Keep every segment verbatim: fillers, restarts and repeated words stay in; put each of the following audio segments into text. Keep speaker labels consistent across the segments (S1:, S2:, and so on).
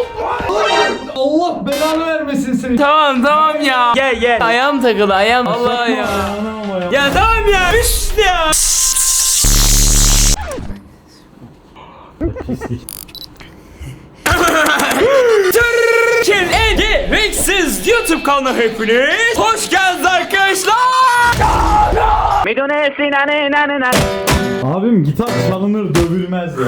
S1: Allah belanı vermesin seni.
S2: Tamam tamam ya. Gel gel. Ayağım takıldı ayağım. Allah ya.
S1: Ya.
S2: Ya tamam ya. Üst ya. Türkiye'nin en gereksiz YouTube kanalına hepiniz hoş geldiniz arkadaşlar.
S1: Abim gitar çalınır dövülmez ya.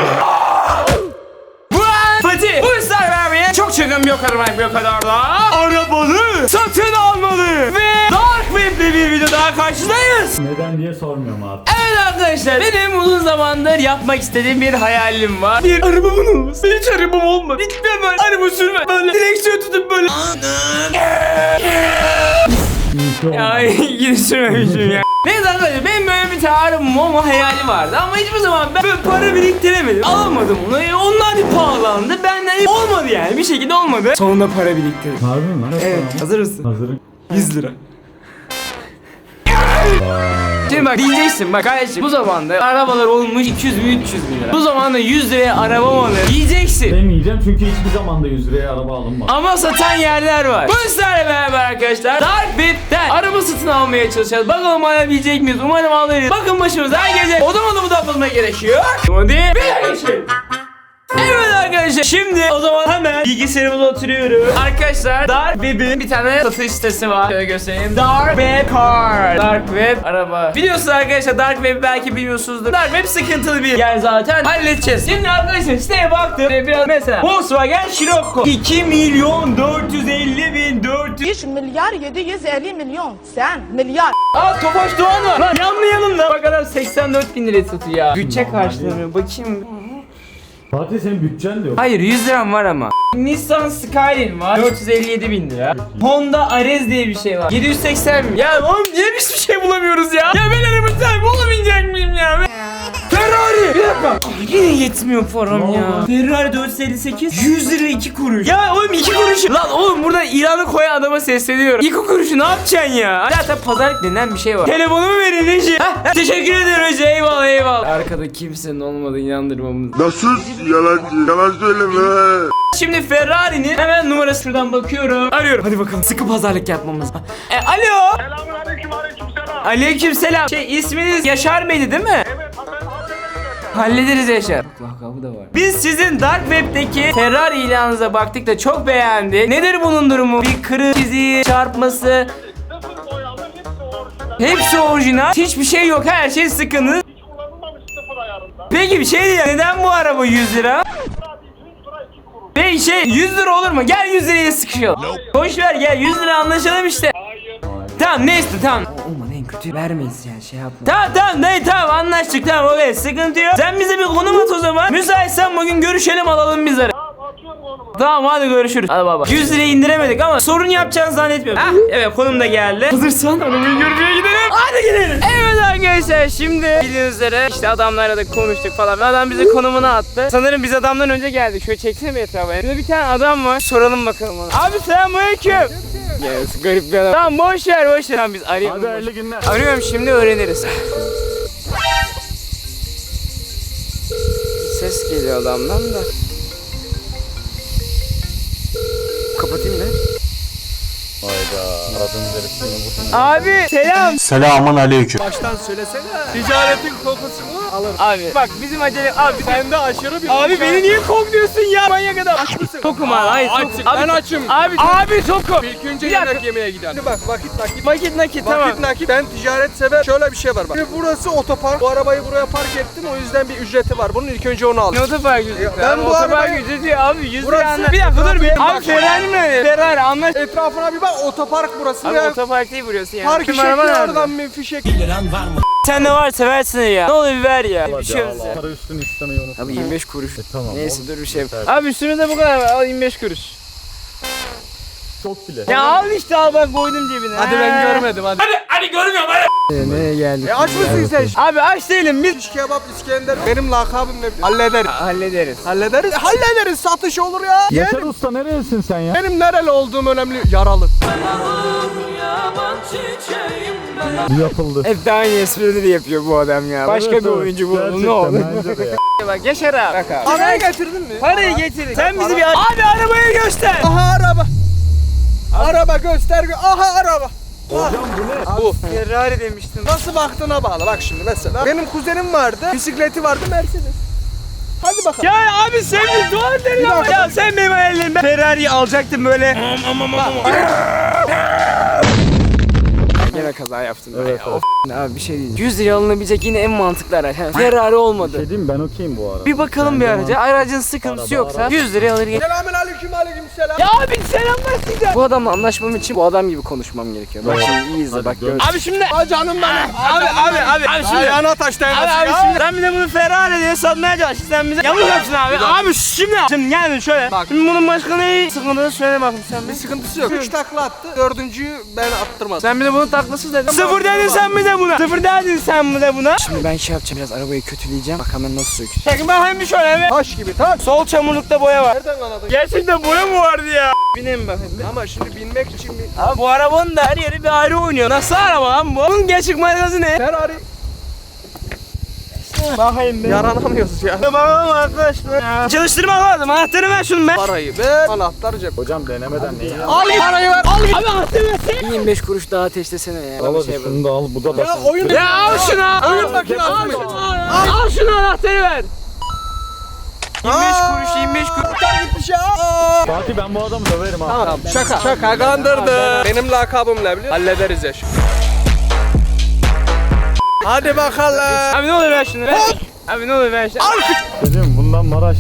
S2: Bu an Fatih bu ister vermeye çok çılgın bir o kadar var bir o kadar da arabanı satın almalı ve Dark Web'de bir video daha karşınızdayız.
S1: Neden diye sormuyorum abi.
S2: Evet arkadaşlar benim uzun zamandır yapmak istediğim bir hayalim var. Bir arabamın olması. Hiç arabam olmadı. Hiç de böyle araba sürme. Böyle direksiyon tutup böyle. Ya yine sürmemişim ya. Neyse arkadaşlar benim böyle bir tane arabam olma hayali vardı ama hiçbir zaman ben böyle para biriktiremedim. Alamadım onu. E, onlar bir pahalandı. Benden olmadı yani bir şekilde olmadı. Sonunda para biriktirdim.
S1: Harbi mi lan?
S2: Evet hazır mısın?
S1: Hazırım.
S2: yüz lira. Şimdi bak diyeceksin bak kardeşim bu zamanda arabalar olmuş iki yüz bin üç yüz bin lira. Bu zamanda yüz liraya araba mı alır? Diyeceksin.
S1: Demeyeceğim çünkü hiçbir zamanda yüz liraya araba alınmaz.
S2: Ama satan yerler var. Bu sizlerle beraber arkadaşlar Dark Web'den araba satın almaya çalışacağız. Bakalım alabilecek miyiz? Umarım alırız. Bakın başımıza her gece odam odamı da bulmak gerekiyor. Hadi bir geçelim. Evet arkadaşlar şimdi o zaman hemen bilgisayarımıza oturuyorum. Arkadaşlar Dark Web'in bir tane satış sitesi var. Şöyle göstereyim. Dark Web Car. Dark Web araba. Biliyorsunuz arkadaşlar Dark Web belki bilmiyorsunuzdur. Dark Web sıkıntılı bir yer zaten. Halledeceğiz. Şimdi arkadaşlar siteye baktım. Biraz mesela Volkswagen Scirocco iki milyon dört yüz elli bin dört yüz.
S3: üç milyar yedi yüz elli milyon. Sen milyar.
S2: Aa Tofaş Doğan var. Lan yanlayalım da. Bak adam seksen dört bin liraya satıyor ya. Bütçe karşılamıyor. Bakayım.
S1: Fatih senin bütçen de yok.
S2: Hayır yüz liram var ama. Nissan Skyline var dört yüz elli yedi bin lira. Honda Ares diye bir şey var yedi yüz seksen bin. Ya oğlum niye biz bir şey bulamıyoruz ya? Ya ben araba sahibi olamayacak mıyım ya? Ferrari! Bir dakika. Ay, yine yetmiyor param ya. Ferrari dört yüz elli sekiz yüz lira iki kuruş. Ya oğlum iki kuruş. Lan oğlum burada ilanı koyan adama sesleniyorum. iki kuruşu ne yapacaksın ya? Zaten pazarlık denen bir şey var. Telefonumu verin Reji. Heh, teşekkür ederim Reji. Eyvallah eyvallah. Arkada kimsenin olmadığı inandırmamız.
S4: Nasıl yalancı? Yalan söyleme.
S2: Şimdi Ferrari'nin hemen numarası şuradan bakıyorum. Arıyorum. Hadi bakalım sıkı pazarlık yapmamız. E, alo.
S5: Selamünaleyküm, aleykümselam.
S2: Aleykümselam. Şey isminiz Yaşar Bey'di değil mi?
S5: Evet, ben hallederiz.
S2: Hallederiz Yaşar. Lakabı da var. Biz sizin Dark Web'deki Ferrari ilanınıza baktık da çok beğendik. Nedir bunun durumu? Bir kırık, çiziği, çarpması.
S5: Sıfır boyalı, hepsi orijinal.
S2: Hepsi orijinal. Hiçbir şey yok. Her şey sıkıntı.
S5: Hiç kullanılmamış sıfır ayarında.
S2: Peki bir şey diyeceğim. Neden bu araba yüz lira?
S5: Sadece yüz lira iki kuruş.
S2: Peki şey yüz lira olur mu? Gel yüz liraya sıkışalım. Boş ver gel yüz lira anlaşalım işte.
S5: Hayır.
S2: Tamam neyse tamam. Olmadı en kötü vermeyiz yani şey yapma. Tamam tamam dayı tamam anlaştık tamam okey sıkıntı yok. Sen bize bir konum at o zaman. Müsaitsen bugün görüşelim alalım bizleri.
S5: Tamam, atıyorum konumu.
S2: Tamam hadi görüşürüz. Hadi baba. yüz liraya indiremedik ama sorun yapacağını zannetmiyorum. Hah evet konum da geldi. Hazırsan arabayı görmeye gidelim. Hadi gidelim. Evet arkadaşlar şimdi bildiğiniz üzere işte adamlarla da konuştuk falan. Adam bize konumunu attı. Sanırım biz adamdan önce geldik. Şöyle çeksene bir etrafa. Burada bir tane adam var. Soralım bakalım ona. Abi selamünaleyküm. Yes, garip bir adam. Tamam boş ver boş ver. Tamam biz arayalım.
S1: Hadi hayırlı günler.
S2: Arıyorum şimdi öğreniriz. Ses geliyor adamdan da. Kapatayım mı?
S1: Hayda. Aradığın herif seni
S2: Abi selam.
S4: Selamun aleyküm.
S6: Baştan söylesene. Ticaretin kokusunu alır.
S2: Abi bak bizim acele abi
S6: Sende aşırı bir
S2: abi beni niye kokluyorsun ya manyak adam. Aç mısın? Tokum abi hayır tokum.
S6: Açık.
S2: Abi,
S6: Ben açım.
S2: Abi abi tokum.
S6: İlk önce
S2: Bir dakika.
S6: yemek yemeye gidelim. Şimdi bak vakit nakit.
S2: Vakit nakit tamam.
S6: Vakit nakit. Ben ticaret sever. Şöyle bir şey var bak. Şimdi burası otopark. Bu arabayı buraya park ettim. O yüzden bir ücreti var. Bunun ilk önce onu al.
S2: Ne otopark ücreti?
S6: Ben
S2: Ben
S6: bu
S2: bu otopark
S6: arabayı-
S2: ücreti abi yüz
S6: Burası-
S2: lira anla. Bir dakika dur bir.
S6: Bak.
S2: Abi Ferrari mi? Ferrari anlaş.
S6: Etrafına bir bak. Otopark burası.
S2: Abi
S6: ya.
S2: otopark değil burası yani.
S6: Park
S2: Bizim
S6: fişekli
S2: araba nerede?
S6: oradan bir fişek.
S2: Sen de var seversin ya. Ne olur bir ver ya. Bir şey yok ya.
S1: Para üstünü istemeyi unutma.
S2: Abi yirmi beş kuruş.
S1: E, tamam.
S2: Neyse
S1: o-
S2: dur bir şey yap.
S1: Evet.
S2: Abi üstüne de bu kadar var. Al yirmi beş kuruş.
S1: Çok bile.
S2: Ya al işte al bak koydum cebine.
S6: Hadi ben görmedim hadi.
S2: Hadi hadi görmüyorum hadi. Nereye geldik?
S6: E aç mısın sen?
S2: Abi aç değilim biz.
S6: Şiş kebap İskender. Benim lakabım ne? Hallederiz.
S2: Hallederiz.
S6: Hallederiz. E, hallederiz. Satış olur ya.
S1: Yaşar Usta nerelisin sen ya?
S6: Benim nereli olduğum önemli. Yaralı.
S1: Bu yapıldı.
S2: Hep de aynı esprileri yapıyor bu adam ya. Başka
S1: Evet,
S2: bir
S1: evet.
S2: oyuncu bu.
S1: Gerçekten,
S2: Ne oldu?
S1: bence de ya.
S2: Bak Yaşar abi. Bak abi.
S6: Parayı getirdin mi?
S2: Parayı getirin. Sen bizi bir... Abi arabayı göster.
S6: Aha araba. Araba göster. gö- Aha araba.
S1: Hocam bu ne?
S6: Bu.
S2: Ferrari demiştin.
S6: Nasıl baktığına bağlı. Bak şimdi mesela. Benim kuzenim vardı. Bisikleti vardı Mercedes. Hadi bakalım.
S2: Ya abi sen bir dua edin ama ya sen benim hayallerim. Ben Ferrari'yi alacaktım böyle. Gene kaza yaptım ben
S1: Evet,
S2: ya.
S1: evet.
S2: Of. Abi bir şey diyeceğim. yüz liraya alınabilecek yine en mantıklı araç. Ha, Ferrari olmadı.
S1: Şey diyeyim mi? Ben okeyim bu arada.
S2: Bir bakalım bir
S1: Bence
S2: araca. Aracın sıkıntısı
S1: Araba,
S2: yoksa
S1: araba.
S2: yüz liraya alır gelir.
S6: Selamün aleyküm aleyküm selam.
S2: Ya abi selamlaşacağım. Bu adamla anlaşmam için bu adam gibi konuşmam gerekiyor. Bak
S1: Evet.
S2: şimdi iyi izle
S1: Hadi
S2: bak
S1: dön.
S2: gör. Abi şimdi
S6: Aa canım benim.
S2: Abi abi abi abi şimdi
S6: Ayağına taş
S2: Abi
S6: değmesin
S2: abi
S6: ya.
S2: şimdi sen bir de bunu Ferrari diye satmaya çalıştın sen bize yamuk yapsın abi. Abi şimdi şimdi geldin şöyle.
S6: Bak.
S2: Şimdi bunun başka ne sıkıntısı söyle bakayım sen
S6: Bir
S2: bir.
S6: sıkıntısı yok. Üç takla attı. Dördüncüyü ben attırmadım.
S2: Sen bir de bunu taklasız dedin. Sıfır dedin sen bir de buna. Sıfır dedin sen bir de buna. Şimdi ben şey yapacağım biraz arabayı kötüleyeceğim. Bak hemen nasıl sökeceğim. Çekin bakayım bir şöyle bir.
S6: Taş gibi taş.
S2: Sol çamurlukta boya var.
S6: Nereden anladın?
S2: Gerçekten boya mı vardı ya? Bineyim bakayım bir.
S6: Ama şimdi binmek için bir...
S2: Abi bu arabanın da her yeri bir ayrı oynuyor. Nasıl araba lan bu? Bunun gerçek markası ne?
S6: Ferrari.
S2: Bakayım bir.
S6: Yaranamıyoruz ya.
S2: Bakalım arkadaşlar. Çalıştırmak lazım. Anahtarı ver şunu ben.
S6: Parayı ver. Anahtar cep.
S1: Hocam denemeden neyi al?
S2: Al parayı ver. Al. Abi anahtarı ver. yirmi beş kuruş daha ateşlesene ya.
S1: Al hadi şunu da al. Bu da
S6: Ya
S1: basın.
S6: oyun...
S2: Ya al şunu.
S6: Oyun makinesi
S2: Al
S6: mi?
S2: şunu. Al, al şunu anahtarı ver. yirmi beş
S6: Aa!
S2: kuruş yirmi beş kuruş.
S6: Anahtar gitmiş ya. Aa!
S1: Fatih ben bu adamı döverim ha.
S6: Tamam şaka. Şaka kandırdı. Benim lakabım ne biliyor? Hallederiz ya şimdi. Hadi bakalım.
S2: Abi ne olur ver şunu ver. Abi ne olur ver şunu. Al.
S1: Dedim bundan Maraş.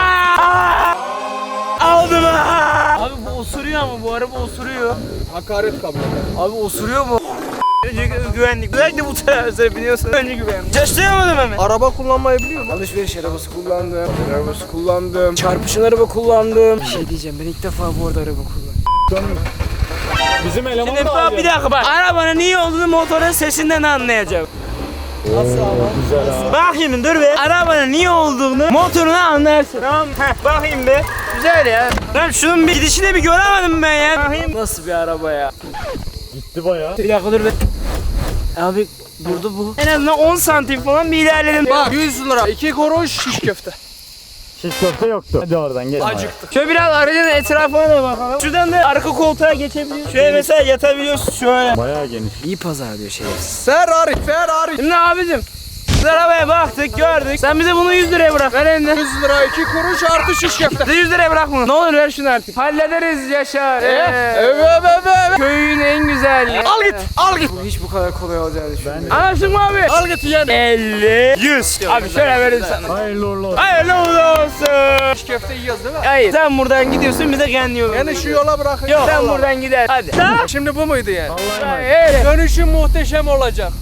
S2: Aldım ha. Abi bu osuruyor ama bu araba osuruyor.
S6: Hakaret kabul eder.
S2: Abi osuruyor mu? Önce güvenlik. Özellikle bu taraflara biniyorsun. Önce güvenlik. Çalıştıramadım hemen.
S6: Araba kullanmayı biliyor musun?
S2: Alışveriş arabası kullandım. Arabası kullandım. Çarpışın araba kullandım. Bir şey diyeceğim. Ben ilk defa bu arada araba kullandım.
S1: Bizim eleman
S2: Şimdi
S1: da
S2: bak
S1: alıyor.
S2: bir dakika bak. Arabanın iyi olduğunu motorun sesinden anlayacağım.
S6: Nasıl ama?
S1: Güzel ha.
S2: Bak şimdi dur be. Arabanın iyi olduğunu motoruna anlarsın. Tamam mı? Heh, bakayım be. Güzel ya. Lan şunun bir gidişini bir göremedim ben ya. Bakayım. Nasıl bir araba ya?
S1: Gitti bayağı.
S2: Bir dakika dur be. Abi durdu bu. En azından on santim falan bir ilerledim.
S6: Bak yüz lira. iki kuruş şiş köfte.
S1: Şiş köfte yoktu. Hadi oradan gel.
S6: Acıktık.
S2: Şöyle biraz aracın etrafına da bakalım. Şuradan da arka koltuğa geçebiliyorsun. Şöyle mesela yatabiliyorsun şöyle.
S1: Bayağı geniş.
S2: İyi pazar diyor şey.
S6: Ferrari. Ferrari.
S2: Şimdi abicim. Biz arabaya baktık gördük. Sen bize bunu yüz liraya bırak. Ver elini.
S6: yüz lira iki kuruş artı şiş köfte.
S2: Bize yüz liraya bırak bunu. Ne olur ver şunu artık. Hallederiz Yaşar.
S6: Evet,
S2: Ee,
S6: evet, evet.
S2: Köyün en güzel.
S6: Al git, al git.
S2: Bu hiç bu kadar kolay olacağını düşünmüyorum. Anlaştık mı abi?
S6: Al git yani.
S2: elli, yüz. Abi şöyle verin sana.
S1: Hayırlı uğurlu olsun.
S2: Hayırlı uğurlu olsun.
S6: Şiş köfte yiyoruz değil mi?
S2: Hayır sen buradan gidiyorsun bize kendi yolunu.
S6: Yani şu yola bırakın.
S2: Yok sen
S6: Allah.
S2: buradan gider. Hadi. Tamam.
S6: Şimdi bu muydu yani?
S2: Öyle.
S6: Dönüşüm muhteşem olacak.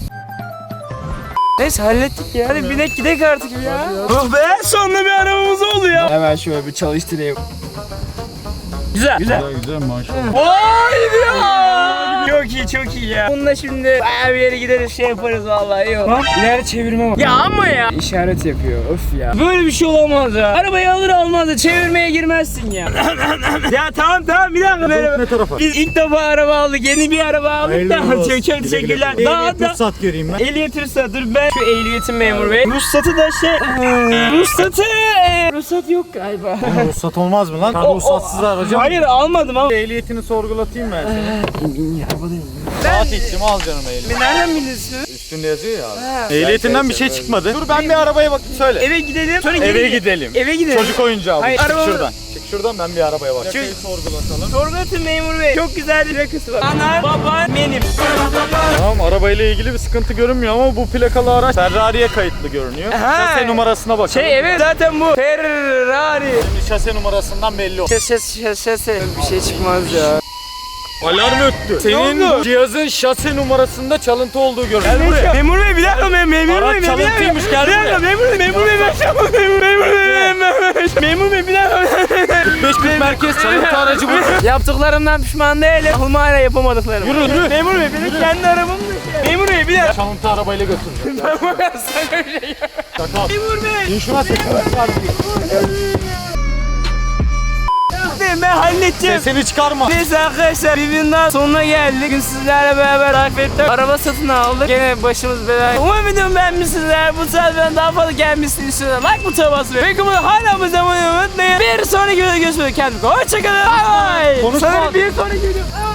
S2: Neyse hallettik ya. Hadi binek gidek artık ya. Oh be sonunda bir arabamız oldu ya. Hemen şöyle bir çalıştırayım. Güzel. Güzel.
S1: Güzel güzel maşallah.
S2: Vay ya. Çok iyi çok iyi ya. Bununla şimdi bayağı bir yere gideriz şey yaparız vallahi iyi olur. Bak ileri çevirme var. Ya ama ya. İşaret yapıyor öf ya. Böyle bir şey olamaz ya. Arabayı alır almaz da çevirmeye girmezsin ya. Ya tamam tamam bir dakika. Merhaba.
S1: Ne tarafa?
S2: Biz ilk defa araba aldık. Yeni bir araba aldık
S1: Hayırlı
S2: da.
S1: olsun.
S2: Çok çok
S1: Güle güle.
S2: teşekkürler. Daha
S1: Ehliyet
S2: da.
S1: ruhsat göreyim ben.
S2: Ehliyet ruhsat dur ben şu ehliyetim memur bey. Ruhsatı da şey ruhsatı e, ruhsat yok galiba.
S1: Ruhsat olmaz mı lan? Sen
S2: O- o-
S1: ruhsatsız aracı
S2: Hayır almadım ama.
S1: Ehliyetini sorgulatayım ben seni.
S2: İn in arabadayım.
S1: Fatih'cim al canım ehliyet.
S2: Nereden biliyorsun?
S1: Üstünde yazıyor ya abi.
S2: Ha.
S1: Ehliyetinden bir şey çıkmadı. Dur ben bir arabaya bakayım söyle.
S2: Eve gidelim. Sonra
S1: Eve
S2: geri-
S1: gidelim.
S2: Eve gidelim.
S1: Çocuk oyuncağı bu.
S2: Hayır,
S1: Çık
S2: arabamı-
S1: şuradan. Çık şuradan ben bir arabaya bakayım.
S2: Çocuk-
S1: Plakayı sorgulatalım.
S2: Sorgulatın memur bey. Çok güzel bir plakası var. Ana, baba, benim.
S1: Tamam arabayla ilgili bir sıkıntı görünmüyor ama bu plakalı araç Ferrari'ye kayıtlı görünüyor.
S2: Aha.
S1: Şase numarasına bakalım.
S2: Şey evet zaten bu. Ferrari.
S1: Şimdi şase numarasından belli oldu.
S2: Şase şase şase. Bir şey çıkmaz ya.
S1: Alarm öttü. Senin
S2: oldu?
S1: cihazın şase numarasında çalıntı olduğu görünüyor. Gel buraya.
S2: Memur bey bir dakika mem memur
S1: Araç
S2: bey bir dakika.
S1: çalıntıymış, gel
S2: Bir dakika
S1: buraya.
S2: memur bey memur bey ben yapamam memur memur bey memur bey bir dakika.
S1: beş bin merkez çalıntı aracı bu.
S2: Yaptıklarımdan pişman değilim. Aklıma hala yapamadıklarım.
S1: Yürü, yürü.
S2: Memur bey benim kendi arabam da şey. Memur bey bir dakika.
S1: Çalıntı arabayla götüreceğim.
S2: Ben sana bir şey yap-
S1: Çakal.
S2: Memur bey.
S1: İn şuna sekme.
S2: Ben halledeyim geçeceğim.
S1: Sesini çıkarma.
S2: Neyse arkadaşlar videonun sonuna geldik. Bugün sizlerle beraber takip ettik. Araba satın aldık. Gene başımız belaya. Umarım videomu beğenmişsinizler. Bu tarz daha fazla gelmişsiniz. istiyorsanız like butona basmayı. Peki bunu hala abone olmayı unutmayın. Bir sonraki videoda görüşmek üzere. Kendinize hoşçakalın. Bay bay.
S1: Konuşma.
S2: Sana bir sonraki video.